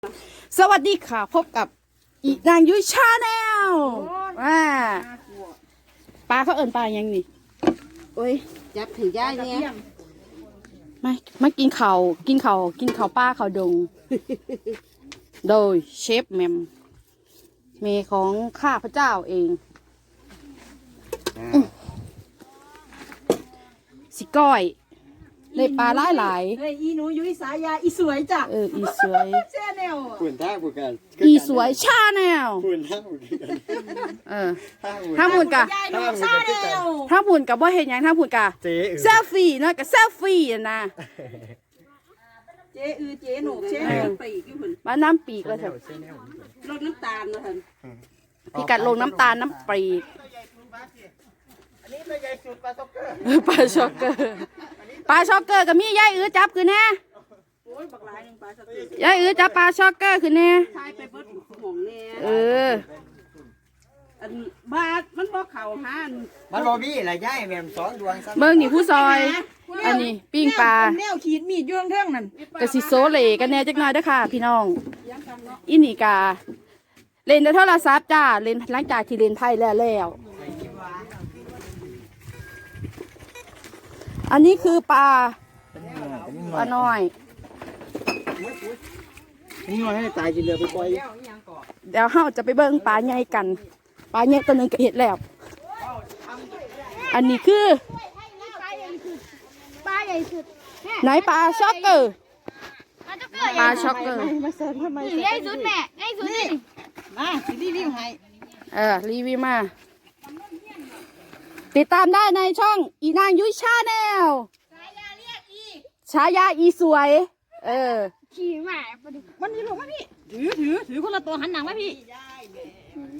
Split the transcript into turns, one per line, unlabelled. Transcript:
สวัสดีค่ะพบกับอีนางยุ้ยชาแนลปลาเขาเอิญปลายังนี่โอ้ย
จับถือย่าเนี่ย
มากินข้าวปลาข้าวดง โดยเชฟแมมเมของข้าพเจ้าเองสิก้อยเลยปลาหลาย
เฮ้ยอีหนูยุ้ยสายาอีสวยจ้ะ
อีสวย
แช่แนว
ฝุ่นท่าบุกัน
อีสวยชาแนล
ฝุ่นท่าบุกัน
ถ้าหมุนกะ
ยายหนูซาแนว
ถ้าหมุนกับว่าเห็นยังถ้าหมุนกะ
เจ๊
เซลฟี่เนาะกับเซลฟี่นะ
เจ๊เจ๊หนูเจ๊หนูปีกอยู่หุ่น
มาน้ำปีกเลยเถอะ
รดน้ำตาลนะท่าน
พี่กัดลงน้ำตาลน้ำปีก
อันนี้ตัวใหญ่สุดปลาซ็อกเกอร์
ปลาช็อกเกอร์กับมียายจับคือแน่
โอ้ยบักหลายหนึ่งปลาสติ
ยายจับปลาช็อกเกอร์คือแน่
ทายไปเบิดห่วงแน่ อันบาทมันบอกเข่าหัน
มันบอบี้อะไรย่ายแม่มสองดวง
เมืองนี่ผู้ซอย อันนี้ปิ้งปลา
แนวขีดมีดย่วงเท่งนั่น
กะสิโซเลกันแน่จักหน่อยเด้อค่ะ พี่น้องอินี่กาเล่นแต่โทรศัพท์จ้าเล่นหลังจากที่เล่นไพ่แล้วอันนี้คือปลาน้อย
นี่มันให้ตายกินเรือไปปล่อย
เดี๋ยวเราจะไปเบิ่งปลาใหญ่กันปลาใหญ่ตัวหนึงก็เห็ดแล้ว อันนี้คือไหนปลาช็อกเกอร์ปลาช็อกเกอร์
ใหญ่สุดแม่ใหญ่สุดนี่
มาสิรีวิวให้
รีวิวมา ติดตามได้ในช่องอีนางยุ้ยชาแนลฉายาอีสวย
ขี่หมาปลาดุก
มันนี่ลูกมาพี่ถือคนละตัวหันหนังมาพี่